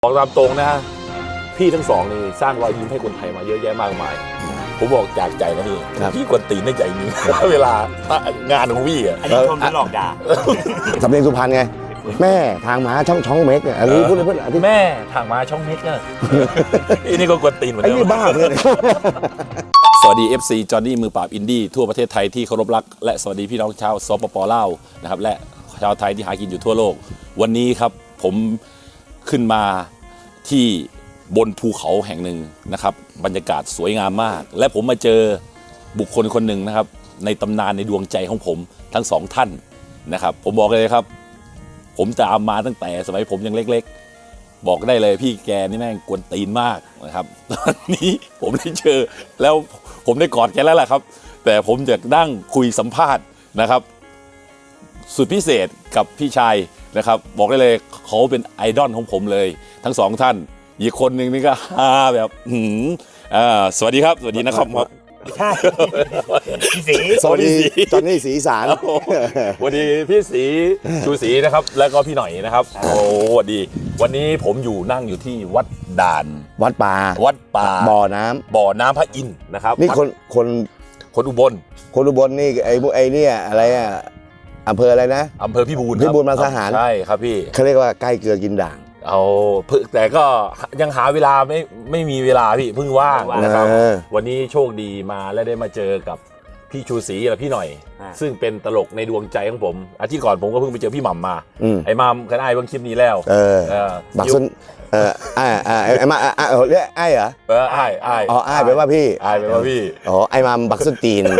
บอกตามตรงนะพี่ทั้งสองนี่สร้างรอยยิ้มให้คนไทยมาเยอะแยะมากมายผมบอกจากใจนะพี่กวนตีนได้ใจจริง เวลางานของพี่อ่ะอันนี้ชมหรือหลอกด่าสำเนียงสุพรรณไงแม่ทางม้าช่องเม็กเนี่ยอันนี้พูดเลยเพื่อนแม่ทางมาช่องเม็กเนี่ยอันนี้ก็กวนตีนเหมือนไอ้เดินี่มบ้าเพื่อนสวัสดี FC จอห์นนี่มือปราบอินดี้ทั่วประเทศไทยที่เคารพรักและสวัสดีพี่น้องชาวสปป.ลาวนะครับและชาวไทยที่หากินอยู่ทั่วโลกวันนี้ครับผมขึ้นมาที่บนภูเขาแห่งหนึ่งนะครับบรรยากาศสวยงามมากและผมมาเจอบุคคลคนหนึ่งนะครับในตำนานในดวงใจของผมทั้งสองท่านนะครับผมบอกเลยครับผมตามมาตั้งแต่สมัยผมยังเล็กๆบอกได้เลยพี่แกนี่แม่งกวนตีนมากนะครับตอนนี้ผมได้เจอแล้วผมได้กอดแกแล้วแหละครับแต่ผมจะนั่งคุยสัมภาษณ์นะครับสุดพิเศษกับพี่ชายนะครับบอกได้เลยเขาเป็นไอดอลของผมเลยทั้งสองท่านอีกคนหนึ่งนี่ก็ฮาแบบสวัสดีครับสวัสดีนะครับใช่พี่สีสวัสดีจอนนี่สีสารสวัสดีพี่สีชูศรีนะครับแล้วก็พี่หน่อยนะครับโอ้สวัสดีวันนี้ผมนั่งอยู่ที่วัดด่านวัดป่าบ่อน้ำพระอินทร์นะครับำนี่คนอุบลนี่ไอ้เนี่ยอะไรอ่ะอำเภออะไรนะอำเภอพิบูลมาทหารใช่ครับพี่เขาเรียกว่าใกล้เกลือกินด่างเอาแต่ก็ยังหาเวลาไม่มีเวลาพี่เพิ่งว่างนะครับวันนี้โชคดีมาและได้มาเจอกับพี่ชูศรีและพี่หน่อยซึ่งเป็นตลกในดวงใจของผมอาทิตย์ก่อนผมก็เพิ่งไปเจอพี่หม่ำมาไอ้หม่ำกันไอ้เพิ่งคลิปนี้แล้วบักซุนไอ้มาเรียกไอ้เหรอไอ้อ๋อไอ้แปลว่าพี่อ๋อไอ้มาบักซุนตีน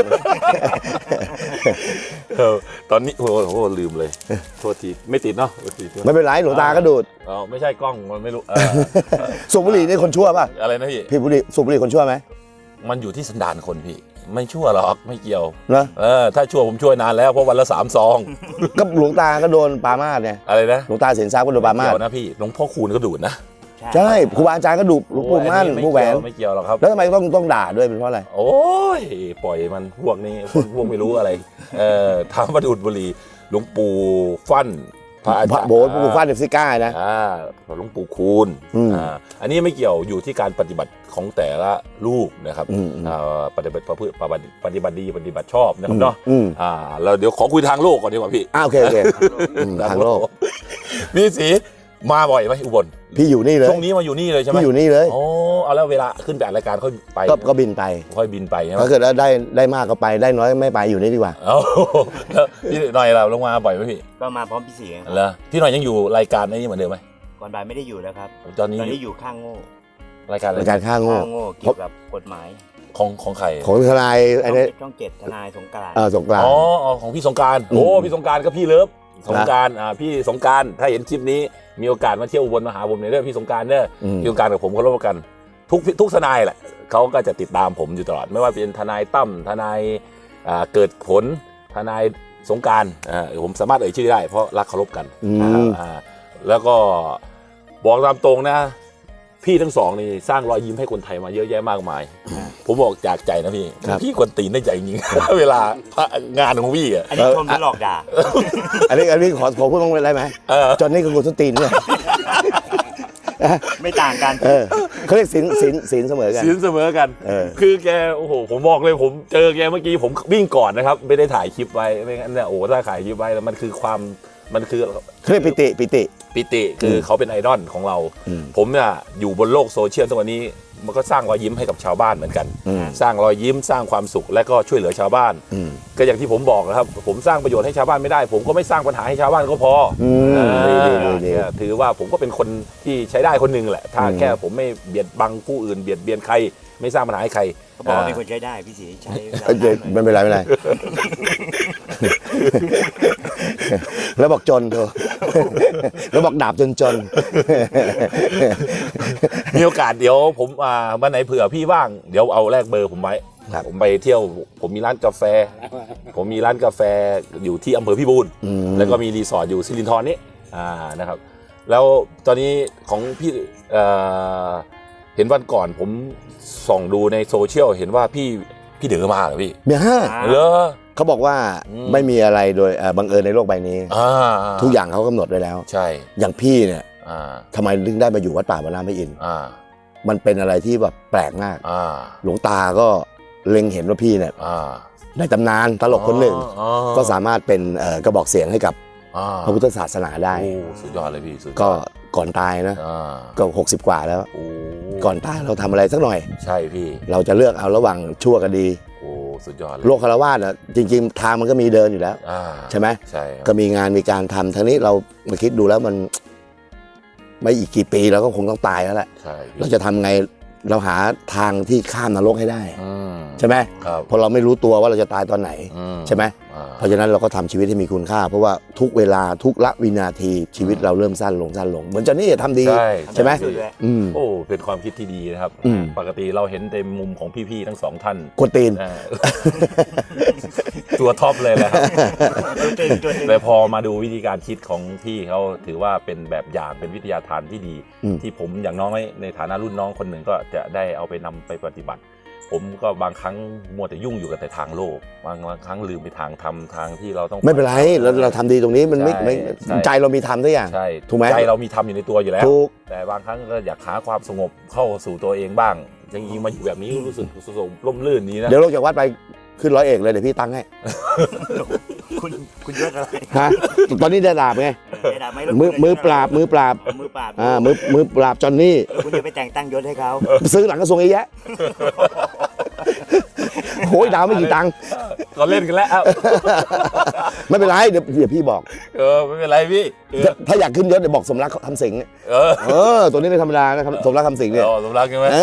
ตอนนี้โอ้โหลืมเลยโทษทีไม่ติดเนาะไม่เป็นไรหลวงตาก็ดูดไม่ใช่กล้องมันไม่รู้สูบบุหรี่นี่คนชั่วป่ะอะไรนะพี่สูบบุหรี่คนชั่วไหมมันอยู่ที่สันดานคนพี่ไม่ชั่วหรอกไม่เกี่ยวนะถ้าชั่วผมช่วยนานแล้วเพราะวันละ3 ซองก็หลวงตาก็โดนปามาสเนี่ยอะไรนะหลวงตาเสียนทราบก็โดนปามาสนะพี่หลวงพ่อคูณก็ดูดนะใช่ครูบาอาจารย์ก็ดูหลวงปู่มั่นผู้แหวนไม่เกี่ยวหรอกครับแล้วทำไมต้องด่าด้วยเป็นเพราะอะไรโอ้ยปล่อยมันพวกนี้พวกไม่รู้อะไรถามว่าดูดบุหรี่หลวงปู่ฟั่นพระโบสถ์ปู่ฟั่นเดฟซิก้านะหลวงปู่คูณอันนี้ไม่เกี่ยวอยู่ที่การปฏิบัติของแต่ละลูกนะครับปฏิบัติดีปฏิบัติชอบนะครับเนาะเราเดี๋ยวขอคุยทางโลกก่อนดีกว่าพี่โอเคทางโลกพี่สีมาบ่อยไหมอุบลพี่อยู่นี่เลยช่วงนี้มาอยู่นี่เลยใช่ไหมพี่อยู่นี่เลยโอ้เอาแล้วเวลาขึ้นแต่รายการค่อยไปก็บินไปค่อยบินไปใช่ไหมถ้าเกิดได้มากก็ไปได้น้อยไม่ไปอยู่นี่ดีกว่าแล้วพี่หน่อยเราลงมาบ่อยไหมพี่ก็มาพร้อมพี่สีแล้วพี่หน่อยยังอยู่รายการนี้เหมือนเดิมไหมก่อนบ่ายไม่ได้อยู่แล้วครับตอนนี้อยู่ข้างโง่รายการข้างโง่เกี่ยวกับกฎหมายของใครของทนายไอ้นี่ช่อง7ทนายสงกรานต์สงกรานต์อ๋อของพี่สงกรานต์โอ้พี่สงกรานต์ก็พี่เลิฟสงกรานต์พี่สงกรานต์ถ้าเห็นคลิปนี้มีโอกาสมาเที่ยวอุบลมาหาผมเนี่ยพี่สงกรานต์เนี่ยพี่สงกรานต์กับผมเขาร่วมกันทุกทนายแหละเขาก็จะติดตามผมอยู่ตลอดไม่ว่าเป็นทนายตั้มทนายเกิดผลทนายสงกรานต์ผมสามารถเอ่ยชื่อได้เพราะรักเคารพกันแล้วก็บอกตามตรงนะพี่ทั้งสองนี่สร้างรอยยิ้มให้คนไทยมาเยอะแยะมากมายผมบอกจากใจนะพี่กวนตีนได้ใจจริงเวลางานของพี่อ่ะอันนี้ชมหรือหลอกด่าอันนี้ขอพูดบ้างได้ไหมจอนนี่กับกูส้นตีนเนี่ยไม่ต่างกันเขาเรียกศีลเสมอกันคือแกโอ้โหผมบอกเลยผมเจอแกเมื่อกี้ผมวิ่งก่อนนะครับไม่ได้ถ่ายคลิปไว้ไม่งั้นเนี่ยโอ้ถ้าถ่ายคลิปไว้แล้วมันคือเรียกปิติคือเขาเป็นไอดอลของเราผมเนี่ยอยู่บนโลกโซเชียลทุกวันนี้มันก็สร้างรอยยิ้มให้กับชาวบ้านเหมือนกันสร้างรอยยิ้มสร้างความสุขและก็ช่วยเหลือชาวบ้านก็อย่างที่ผมบอกนะครับผมสร้างประโยชน์ให้ชาวบ้านไม่ได้ผมก็ไม่สร้างปัญหาให้ชาวบ้านก็พอถือว่าผมก็เป็นคนที่ใช้ได้คนหนึ่งแหละถ้าแค่ผมไม่เบียดบังผู้อื่นเบียดเบียนใครไม่สร้างปัญหาให้ใครเขาบอกว่าเป็นคนใช้ได้พี่สีใช้ไม่เป็นไรแล้วบอกจนเถอะแล้วบอกดาบจนมีโอกาสเดี๋ยวผมวันไหนเผื่อพี่ว่างเดี๋ยวเอาแลกเบอร์ผมไว้ผมไปเที่ยวผมมีร้านกาแฟอยู่ที่อำเภอพิบูลแล้วก็มีรีสอร์ทอยู่สิรินธรนี่นะครับแล้วตอนนี้ของพี่เห็นวันก่อนผมส่องดูในโซเชียลเห็นว่าพี่เด๋อมาเหรอพี่เหรอเขาบอกว่าไม่มีอะไรโดยบังเอิญในโลกใบนี้ทุกอย่างเขากำหนดไว้แล้วใช่อย่างพี่เนี่ยทำไมถึงได้มาอยู่วัดป่าบ้านน้ำพระอินทร์ มันเป็นอะไรที่แบบแปลกมากหลวงตาก็เล็งเห็นว่าพี่เนี่ยในตำนานตลกคนหนึ่งก็สามารถเป็นกระบอกเสียงให้กับพระพุทธศาสนาได้สุดยอดเลยพี่ก็ก่อนตายนะก็60 กว่าแล้วก่อนตายเราทำอะไรสักหน่อยใช่พี่เราจะเลือกเอาระหว่างชั่วกับดีสุดยอดเลยโลกคฤหัสถ์จริงๆทางมันก็มีเดินอยู่แล้วใช่ไหมใช่ก็มีงานมีการทำทั้งนี้เรามาคิดดูแล้วมันไม่อีกกี่ปีเราก็คงต้องตายแล้วแหละเราจะทำไงเราหาทางที่ข้ามนรกให้ได้ใช่ไหมเพราะเราไม่รู้ตัวว่าเราจะตายตอนไหนใช่ไหมเพราะฉะนั้นเราก็ทำชีวิตให้มีคุณค่าเพราะว่าทุกเวลาทุกละวินาทีชีวิตเราเริ่มสั้นลงเหมือนจอนนี่ทำดีใช่ไหมโอ้เป็นความคิดที่ดีนะครับปกติเราเห็นในมุมของพี่ๆทั้ง2ท่านกวนตีนตัวท็อปเลยนะครับแต่พอมาดูวิธีการคิดของพี่เขาถือว่าเป็นแบบอย่างเป็นวิทยาทานที่ดีที่ผมอย่างน้อยในฐานะรุ่นน้องคนหนึ่งก็จะได้เอาไปนำไปปฏิบัติผมก็บางครั้งมัวแต่ยุ่งอยู่กับแต่ทางโลกบางครั้งลืมไปทางธรรมทางที่เราต้องไม่เป็นไรเราทำดีตรงนี้มันไม่ใจเรามีธรรมทุกอย่างใช่ถูกไหมใจเรามีธรรมอยู่ในตัวอยู่แล้วแต่บางครั้งก็อยากหาความสงบเข้าสู่ตัวเองบ้างอย่างนี้มาอยู่แบบนี้รู้สึกร่มรื่นนี้นะเดี๋ยวลงจากวัดไปขึ้นร้อยเอกเลยเดี๋ยวพี่ตั้งให้คุณยศอะไรฮะตอนนี้ได้ดาบไงมือปราบมือปราบมือปราบจอนนี่คุณจะไปแต่งตั้งยศให้เขาซื้อหลังกระทรวงเยอะแยะโอ้ยดาวไม่กี่ตังค์ก็เล่นกันแล้วไม่เป็นไรเดี๋ยวพี่บอกไม่เป็นไรพี่ถ้าอยากขึ้นยศเดี๋ยวบอกสมรักคำสิงห์ตัวนี้ไม่ธรรมดานะสมรักคำสิงห์เนี่ยสมรักใช่ไหม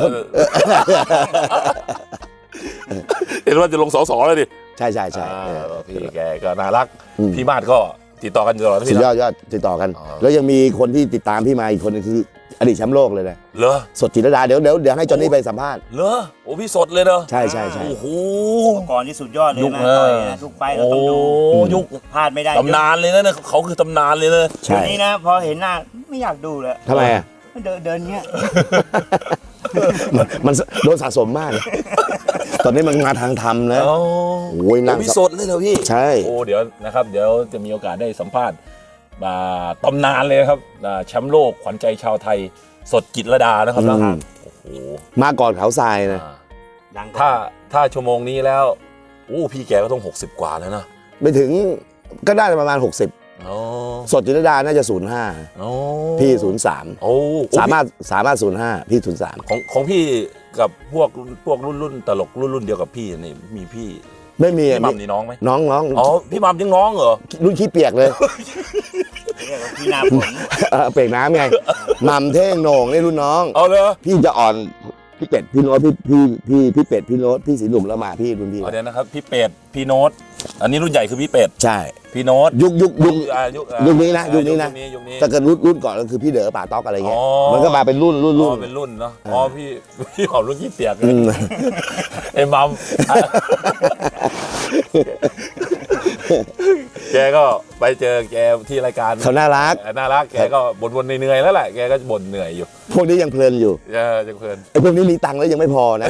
เห็นว่าจะลงส.ส.เลยดิใช่พี่แกก็น่ารักพี่มาดก็ติดต่อกันตลอดสุดยอดติดต่อกันแล้วยังมีคนที่ติดตามพี่มาอีกคนนึงคืออดีตแชมป์โลกเลยนะเหรอสดจิตรดาเดี๋ยวให้จอนนี่ไปสัมภาษณ์เหรอโอ้พี่สดเลยเนอะใช่โอ้โหก่อนที่สุดยอดเลยนะทุกไปเราต้องดูยุคพลาดไม่ได้ตำนานเลยนะเขาคือตำนานเลยนะทีนี้นะพอเห็นหน้าไม่อยากดูเลยทำไมอ่ะเดินเงี้ยมันโดนสะสมมากตอนนี้มันมาทางธรรมนะโอ้ยนั่งพี่สดเลยเหรอพี่ใช่โอ้เดี๋ยวนะครับเดี๋ยวจะมีโอกาสได้สัมภาษณ์ตำนานเลยครับแชมป์โลกขวัญใจชาวไทยสดจิตรดานะครับโอ้โหมาก่อนเขาทรายนะถ้าชั่วโมงนี้แล้วพี่แกก็ต้อง60 กว่าแล้วนะไม่ถึงก็ได้ประมาณ60สดจิตรดาน่าจะ05พี่03สามารถ05พี่03 ของพี่กับพวกรุ่นตลกรุ่นเดียวกับพี่นี่มีพี่ไม่มีพี่มัมนี่น้องไหมน้องอ๋อพี่มัมยังน้องเหรอรุ่นขี้เปียกเลยพี่นาฝนเปียกน้ำไงมัมเท่งโหน่งนี่รุ่นน้องเอาเลยพี่จะอ่อนพี่เป็ดพี่โน้ตพี่เป็ดพี่โน้ตพี่สีหนุ่มแล้วมาพี่รุ่นพี่เดี๋ยวนะครับพี่เป็ดพี่โน้ตอันนี้รุ่นใหญ่คือพี่เป็ดใช่พี่โน้ตยุคนี้นะถ้าเกิดรุ่นก่อนก็คือพี่เด๋อป่าต๊อกอะไรเงี้ยมันก็มาเป็นรุ่นเป็นรุ่นเนาะอ๋อพี่หอมรุ่นขี้เปียกเลยไอ้มัมแกก็ไปเจอแกที่รายการเขาน่ารักแกก็บ่นเหนื่อยแล้วแหละแกก็บ่นเหนื่อยอยู่พวกนี้ยังเพลินอยู่ยังเพลินไอ้พวกนี้มีตังค์แล้วยังไม่พอนะ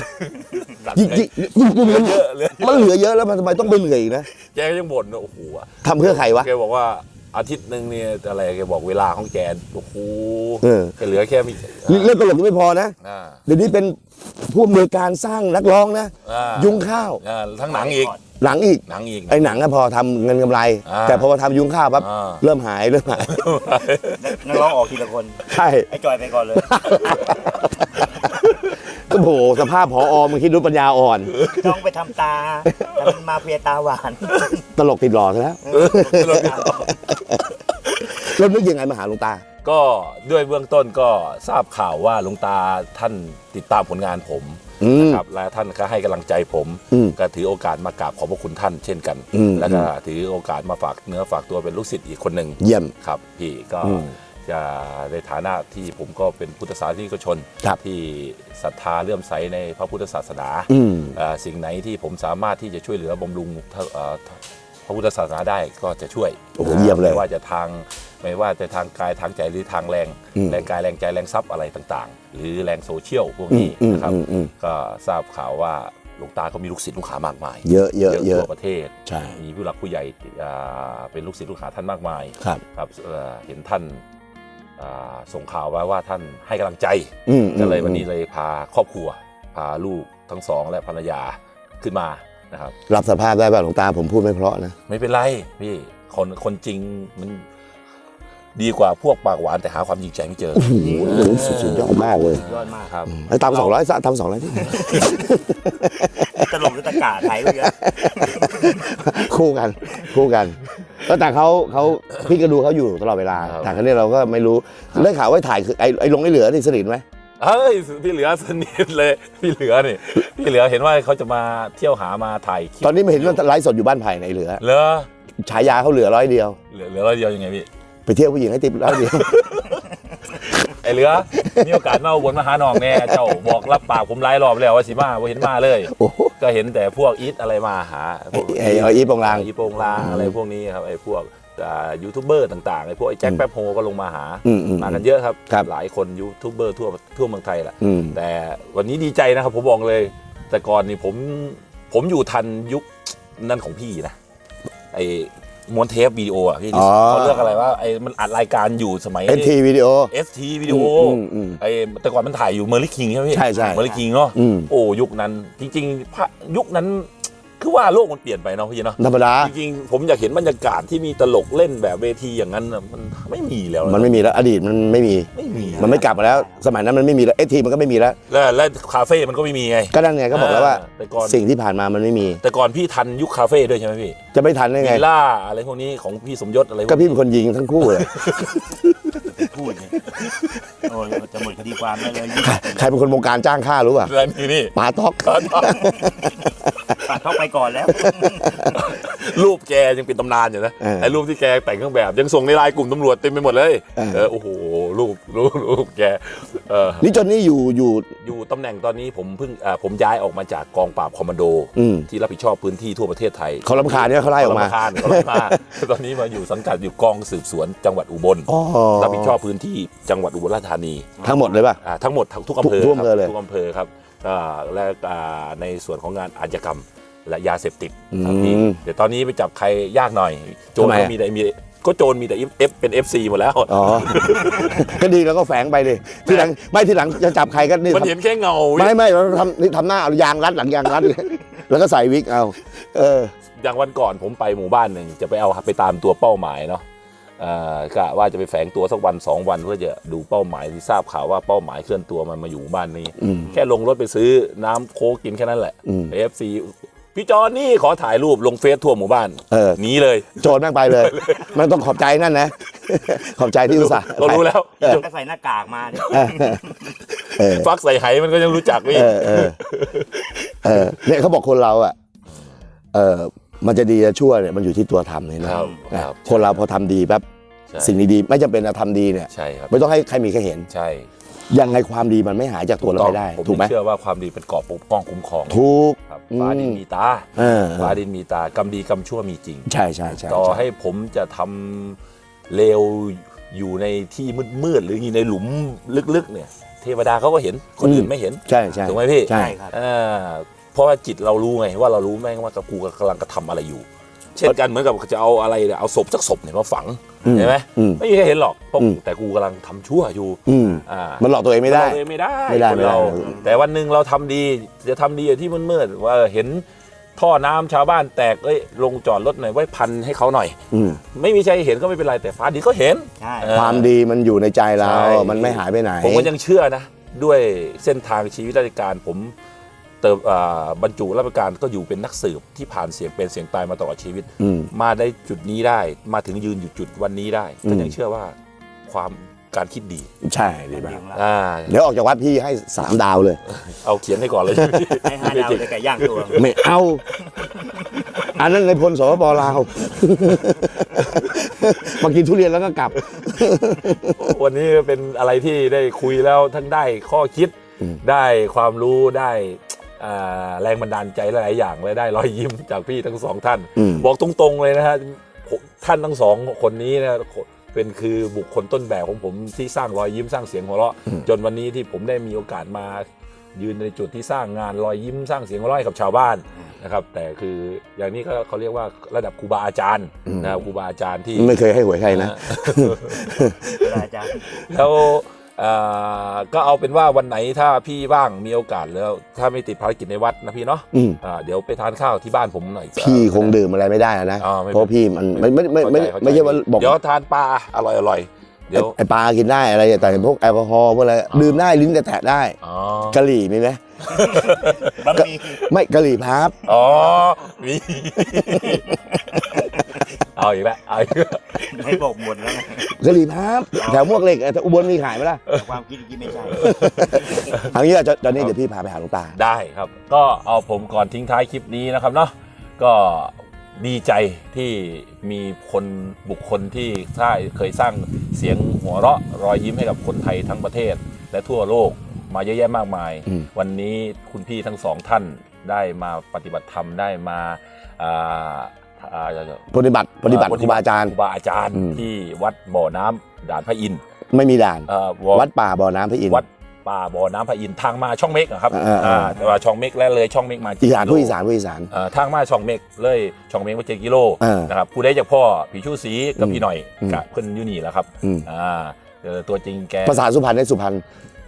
มันเหลือเยอะแล้วมันทำไมต้องไปเหนื่อยอีกนะแกก็ยังบ่นโอ้โหทำเพื่อใครวะแกบอกว่าอาทิตย์นึงเนี่ยอะไรแกบอกเวลาของแกโอ้โหแกเหลือแค่มีเรื่องตลกไม่พอนะเดี๋ยวนี้เป็นผู้อำนวยการสร้างนักร้องนะยุงข้าวทั้งหนังอีกไอ้หนังก็พอทำเงินกำไรแต่พอมาทำยุงข้าวปั๊บเริ่มหายนักร้องออกทีละคนใช่ไอ้จอยไปก่อนเลยก็โหสภาพผอมึงคิดดูปัญญาอ่อนต้องไปทำตาแต่มันมาเฟียตาหวานตลกติดหล่อซะแล้วแล้วนึกยังไงมาหาหลวงตาก็ด้วยเบื้องต้นก็ทราบข่าวว่าหลวงตาท่านติดตามผลงานผมนะครับและท่านก็ให้กำลังใจผมก็ถือโอกาสมากราบขอบพระคุณท่านเช่นกันแล้วก็ถือโอกาสมาฝากเนื้อฝากตัวเป็นลูกศิษย์อีกคนหนึ่งเยี่ยมครับพี่ก็จะในฐานะที่ผมก็เป็นพุทธศาสนิกชนที่ศรัทธาเลื่อมใสในพระพุทธศาสนาสิ่งไหนที่ผมสามารถที่จะช่วยเหลือบำรุงพระพุทธศาสนาได้ก็จะช่วยเยี่ยมเลยไม่ว่าจะทางกายทางใจหรือทางแรงกายแรงใจแรงทรัพย์อะไรต่างๆหรือแรงโซเชียลพวกนี้นะครับก็ทราบข่าวว่าหลวงตาเขามีลูกศิษย์ลูกหามากมายเยอะทั่วประเทศมีผู้หลักผู้ใหญ่เป็นลูกศิษย์ลูกหาท่านมากมายครับเห็นท่านส่งข่าวไว้ว่าท่านให้กำลังใจก็ก็เลยวันนี้เลยพาครอบครัวพาลูกทั้งสองและภรรยาขึ้นมานะครับรับสภาพได้ป่ะหลวงตาผมพูดไม่เพราะนะไม่เป็นไรพี่คนจริงมันดีกว่าพวกปากหวานแต่หาความจริงใจไม่เจอโอ้โหสุดยอดมากเลยยอดมากครับไอ้ตาม200ตาม200ที่ตลกหรือตะกาไทยก็เยอะคู่กันแล้วแต่เขาพี่ก็ดูเขาอยู่ตลอดเวลาครับแต่ครั้นี้เราก็ไม่รู้ได้ข่าวว่าถ่ายคือไอ้ลงไอ้เหลือนี่สนิทไหมเฮ้ยพี่เหลือสนิทเลยพี่เหลือเห็นว่าเขาจะมาเที่ยวหามาถ่ายคลิปตอนนี้ไม่เห็นว่าไลฟ์สดอยู่บ้านไผ่ในเหลือเหลือฉายาเขาเหลือ100 เดียวร้อยเดียวยังไงพี่ไปเที่ยวผู้หญิงให้ติ๊บ100 เดียวไอ้เหลือมีโอกาสมาอุบลมาหาน้องแน่เจ้าบอกรับปากผมหลายรอบแล้วว่าสิมาบ่เห็นมาเลยโอ้โหก็เห็นแต่พวกอีทอะไรมาหาพวกไอ้อีทโปงลางอีทโปงลางอะไรพวกนี้ครับไอ้พวกยูทูบเบอร์ต่างๆไอ้พวกไอ้แจ็คแป๊บโฮก็ลงมาหา มากันเยอะครับครับหลายคนยูทูบเบอร์ทั่วเมืองไทยแหละอืมแต่วันนี้ดีใจนะครับผมบอกเลย แต่ก่อนนี่ผมอยู่ทันยุคนั่นของพี่นะไอ้ม้วนเทปวิดีโออ่ะพี่เขาเรียกอะไรว่าไอ้มันอัดรายการอยู่สมัย ST วิดีโอ ST วิดีโอไอ้แต่ก่อนมันถ่ายอยู่เมอร์ลิคิงใช่ไหมพี่ใช่ใช่เมอร์ลิคิงเนาะ โอ้ยุคนั้นจริงๆยุคนั้นคือว่าโลกมันเปลี่ยนไปเนาะพี่เนาะธรรมดาจริงๆผมอยากเห็นบรรยากาศที่มีตลกเล่นแบบเวทีอย่างนั้นน่ะมันไม่มีแล้วะมันไม่มีแล้วอดีตมันไม่มี มันไม่กลับมาแล้ว สมัยนั้นมันไม่มีแล้ว ST มันก็ไม่มีแล้วและคาเฟ่มันก็ไม่มีไงก็นั่นไงก็บอกแล้วว่าแต่ก่อนสิ่งที่ผ่านมามันไม่มีแต่ก่อนพี่ทันยุคคาเฟ่ด้วยใช่ไหมพี่จะไม่ทันได้ไงวิลล่าอะไรพวกนี้ของพี่สมยศอะไรพวก็กพี่นี้เป็นคนยิงทั้งคู่เลยพูดเนี่ยโอ้ยจะหมดคดีความได้เลยใครเป็นคนวงการจ้างฆ่ารู้ป่ะอะไรนี่ปาต๊อกปาดเข้าไปก่อนแล้วรูปแกยังเป็นตำนานอยู่นะไอ้รูปที่แกแต่งเครื่องแบบยังส่งในไลน์กลุ่มตำรวจเต็มไปหมดเลยโอ้โหรูปแกนี่จนนี่อยู่อยู่ตำแหน่งตอนนี้ผมย้ายออกมาจากกองปราบคอมมานโดที่รับผิดชอบพื้นที่ทั่วประเทศไทยเขารำคาญเนี่ยเขาไล่ออกมาเขาไล่มาตอนนี้มาอยู่สังกัดอยู่กองสืบสวนจังหวัดอุบลรับผิดชอบพื้นที่จังหวัดอุบลราชธานีทั้งหมดเลยป่ะทั้งหมดทุกอำเภอทุกอำเภอเลยทุกอำเภอครับและในส่วนของงานอาชญากรรมและยาเสพติดครับพี่เดี๋ยวตอนนี้ไปจับใครยากหน่อยโจรก็มีแต่โจรมีแต่เป็น FC หมดแล้วอ๋อ ก็ดีแล้วก็แฝงไปดิทีหลังจะจับใครก็นี่มันเห็นแค่เงาไม่เราทำหน้าเอายางรัดหลังยางรัดแล้วก็ใส่วิกเอาอย่างวันก่อนผมไปหมู่บ้านหนึ่งจะไปตามตัวเป้าหมายเนาะกะว่าจะไปแฝงตัวสักวัน2 วันเพื่อจะดูเป้าหมายที่ทราบข่าวว่าเป้าหมายเคลื่อนตัวมันมาอยู่หมู่บ้านนี้แค่ลงรถไปซื้อน้ำโค้กกินแค่นั้นแหละ FC พี่จอนนี่ขอถ่ายรูปลงเฟซทั่วหมู่บ้านหนีเลยโจรแม่งไปเลย มันต้องขอบใจนั่นนะ ขอบใจที่อุตส่าห์เรารู้แล้วก็ใส่หน้ากากมาเนี่ยฟักใส่ไหมันก็ยังรู้จักพี่เนี่ยเขาบอกคนเราอ่ะมันจะดีจะชั่วเนี่ยมันอยู่ที่ตัวทำเลยนะครับ คนเราพอทำดีแป๊บสิ่งดีๆไม่จำเป็นจะทำดีเนี่ยใช่ครับไม่ต้องให้ใครมีใครเห็นใช่ยังไงความดีมันไม่หายจากตัวเราไปได้ผมถูกไหมเชื่อว่าความดีเป็นเกราะปกป้องคุ้มครองถูกครับฟ้าดินมีตา ฟ้าดินมีตากรรมดีกรรมชั่วมีจริงใช่ต่อให้ผมจะทำเลวอยู่ในที่มืดๆหรืออยู่ในหลุมลึกๆเนี่ยเทวดาเขาก็เห็นคนอื่นไม่เห็นใช่ถูกไหมพี่ใช่ครับเพราะว่าจิตเรารู้ไงว่าเรารู้แม่งว่ากูกำลังกระทำอะไรอยู่ เช่นกันเหมือนกับจะเอาอะไรเนี่ยเอาศพสักศพเนี่ยมาฝังเห็นไหมไม่มีใครเห็นหรอกเพราะแต่กูกำลังทำชั่วอยู่มันหลอกตัวเองไม่ได้ไม่ได้คนเราแต่วันหนึ่งเราทำดีจะทำดีที่มืดๆว่าเห็นท่อน้ำชาวบ้านแตกลงจอดรถหน่อยไว้พันให้เขาหน่อยไม่มีใครเห็นก็ไม่เป็นไรแต่ฟ้าดินก็เห็นความดีมันอยู่ในใจเรามันไม่หายไปไหนผมก็ยังเชื่อนะด้วยเส้นทางชีวิตราชการผมบรรจุราชการก็อยู่เป็นนักสืบที่ผ่านเสียงเป็นเสียงตายมาตลอดชีวิตมาได้จุดนี้ได้มาถึงยืนอยู่จุดวันนี้ได้ก็ยังเชื่อว่าความการคิดดีใช่ดีมากเดี๋เดี๋ยวออกจากวัดพี่ให้3 ดาวเลยเอาเขียนให้ก่อนเลยให้5 ดาวเลยไก่ย่างตัวไม่เอา อันนั้นในพลสปปลาวมากินทุเรียนแล้วก็กลับวันนี้เป็นอะไรที่ได้คุยแล้วทั้งได้ข้อคิดได้ความรู้ได้แรงบันดาลใจหลายๆอย่างและได้รอยยิ้มจากพี่ทั้ง2 ท่านบอกตรงๆเลยนะฮะท่านทั้ง2 คนนี้นะเป็นคือบุคคลต้นแบบของผมที่สร้างรอยยิ้มสร้างเสียงหัวเราะจนวันนี้ที่ผมได้มีโอกาสมายืนในจุดที่สร้างงานรอยยิ้มสร้างเสียงหัวเราะให้กับชาวบ้านนะครับแต่คืออย่างนี้ก็เขาเรียกว่าระดับครูบาอาจารย์นะครับครูบาอาจารย์ที่ไม่เคยให้หวยใครนะอาจารย์แล้วก็เอาเป็นว่าวันไหนถ้าพี่ว่างมีโอกาสแล้วถ้าไม่ติดภารกิจในวัดนะพี่เนาะเดี๋ยวไปทานข้าวที่บ้านผมหน่อยพี่คงดื่มอะไรไม่ได้นะไม่เพราะพี่มันไม่ใช่ว่าบอกเดี๋ยวทานปลาอร่อยเดี๋ยวไอปลากินได้อะไรแต่พวกแอลกอฮอล์พวกอะไรดื่มได้ลิ้นแตะได้กะหรี่มีไหมบะหมี่ไม่กะหรี่พับอ๋อมีเอาอีกแล้วเอาอีกแล้วให้บอกหมดแล้วไงกะหรี่พับแถวมวกเหล็กอุบลมีขายไหมล่ะความคิดที่ไม่ใช่เอางี้ตอนนี้เดี๋ยวพี่พาไปหาหลวงตาได้ครับก็เอาผมก่อนทิ้งท้ายคลิปนี้นะครับเนาะก็ดีใจที่มีบุคคลที่เคยสร้างเสียงหัวเราะรอยยิ้มให้กับคนไทยทั้งประเทศและทั่วโลกมาเยอะแยะมากมายวันนี้คุณพี่ทั้งสองท่านได้มาปฏิบัติธรรมได้มาปฏิบัติครูบาอาจารย์ที่วัดบ่อน้ำด่านพระอินทร์ไม่มีด่าน วัดป่าบ่อน้ำพระอินทร์วัดป่าบ่อน้ำพระอินทร์ทางมาช่องเมกครับแต่ว่าช่องเมกและเลยช่องเมกมาอีสานผู้อีสานทางมาช่องเมกเลยช่องเมกว่า7 กิโลนะครับผู้ใดจากพ่อผีชูศรีกับพี่หน่อยกับเพิ่นอยู่นี่แหละครับตัวจริงแกภาษาสุพรรณได้สุพรรณ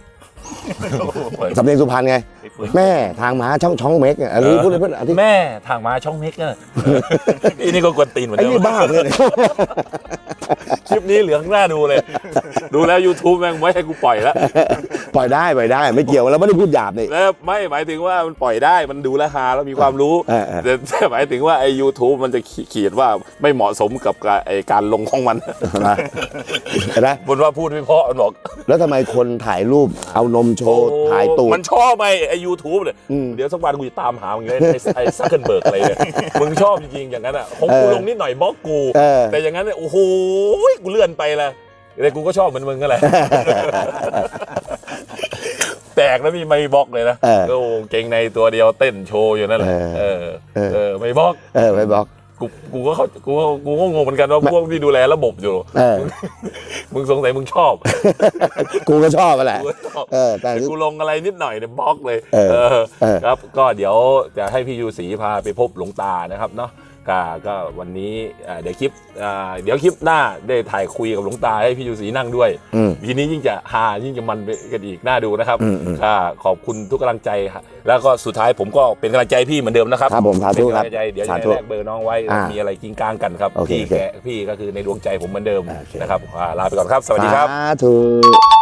สำเนียงสุพรรณไงแม่ทางม้าช่องเมกอันนี้พูดเลยเพื่อนแม่ทางม้าช่องเมกอันนี้ก็กวนตีนเหมือนเดิมไอ้นี่บ้าเลยคลิปนี้เหลืองหน้าดูเลยดูแล้ว YouTube แม่งไม่ให้กูปล่อยแล้วปล่อยได้ไม่เกี่ยวแล้วไม่ได้พูดหยาบนี่แล้วไม่หมายถึงว่ามันปล่อยได้มันดูแลฮาแล้วมีความรู้แต่หมายถึงว่าไอ้ YouTube มันจะขีดว่าไม่เหมาะสมกับการลงของมันนะบนว่าพูดไม่เพราะมันบอกแล้วทำไมคนถ่ายรูปเอานมโชว์ถ่ายตูดมันชอบไหมไอ้ YouTube เนี่ยเดี๋ยวสักวันกูจะตามหามึงเลยไอ้ซักเคิลเบิร์กอะไรเนี่ยมึงชอบจริงๆอย่างนั้นอ่ะของกูลงนิดหน่อยบล็อกกูแต่อย่างนั้นเนี่ยโอ้โหกูเลื่อนไปละแต่กูก็ชอบเหมือนมึงก็แหละแตกแล้วมีไม่บล็อกเลยนะก็เก่งในตัวเดียวเต้นโชว์อยู่นั่นแหละไม่บล็อกไม่บล็อกกูก็งงเหมือนกันว่าพวกที่ดูแลระบบอยู่มึงสงสัยมึงชอบกูก็ชอบแหละแต่กูลงอะไรนิดหน่อยเนี่ยบล็อกเลยครับก็เดี๋ยวจะให้พี่ยูศรีพาไปพบหลวงตานะครับเนาะก็วันนี้เดี๋ยวคลิปหน้าได้ถ่ายคุยกับหลวงตาให้พี่ยูศรีนั่งด้วยทีนี้ยิ่งจะฮายิ่งจะมันไปกันอีกน่าดูนะครับขอบคุณทุกกำลังใจแล้วก็สุดท้ายผมก็เป็นกำลังใจพี่เหมือนเดิมนะครับครับผมสาธุครับเดี๋ยวจะแลกเบอร์น้องไว้มีอะไรกิ้งก้างกันครับพี่ก็คือในดวงใจผมเหมือนเดิมนะครับลาไปก่อนครับสวัสดีครับสาธุ